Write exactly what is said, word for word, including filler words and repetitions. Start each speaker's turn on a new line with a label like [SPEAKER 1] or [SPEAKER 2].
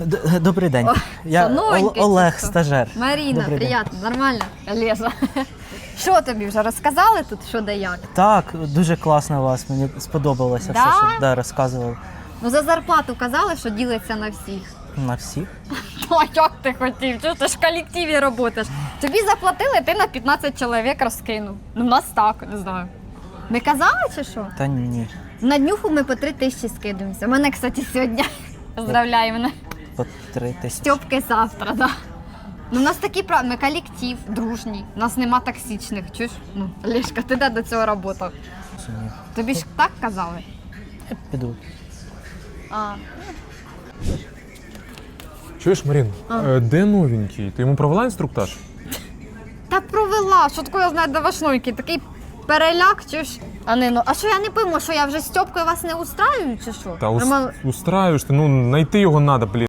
[SPEAKER 1] Д- Добрий день.
[SPEAKER 2] О,
[SPEAKER 1] Я
[SPEAKER 2] що, новенький
[SPEAKER 1] Ол- Олег,
[SPEAKER 2] чи що?
[SPEAKER 1] стажер.
[SPEAKER 2] Маріна,
[SPEAKER 1] Добрий день.
[SPEAKER 2] приємно, нормально? Олежа. Що тобі вже розказали тут, що де як?
[SPEAKER 1] Так, дуже класно у вас. Мені сподобалося
[SPEAKER 2] Да?
[SPEAKER 1] все, що да, розказували.
[SPEAKER 2] Ну за зарплату казали, що ділиться на всіх.
[SPEAKER 1] На всіх.
[SPEAKER 2] Ну а як ти хотів? Чого ти ж в колективі працюєш? Тобі заплатили, ти на п'ятнадцять чоловік розкинув. Ну в нас так, не знаю. Не казали чи що?
[SPEAKER 1] Та ні,
[SPEAKER 2] На днюху ми по три тисячі скидуємося. Мене, кстати, сьогодні. Поздравляю мене.
[SPEAKER 1] по три тисячі.
[SPEAKER 2] Стьопки завтра, да. Ну, у нас такі правила, ми колектив, дружній. У нас нема токсичних, чуєш? Ну, Олешка, ти де до цього працював?
[SPEAKER 1] Чи ні?
[SPEAKER 2] Тобі ж так казали?
[SPEAKER 1] Я піду.
[SPEAKER 2] А.
[SPEAKER 3] Чуєш, Марін, е, де новенький? Ти йому провела інструктаж?
[SPEAKER 2] Та провела, що таке я знаю до вашнойки, такий переляк, чуєш? А не, ну, а що я не пойму, що я вже з Стьопкою вас не устраюю, чи що?
[SPEAKER 3] Та ус...
[SPEAKER 2] Роман-
[SPEAKER 3] устраюєш ти, ну знайти його треба, блін.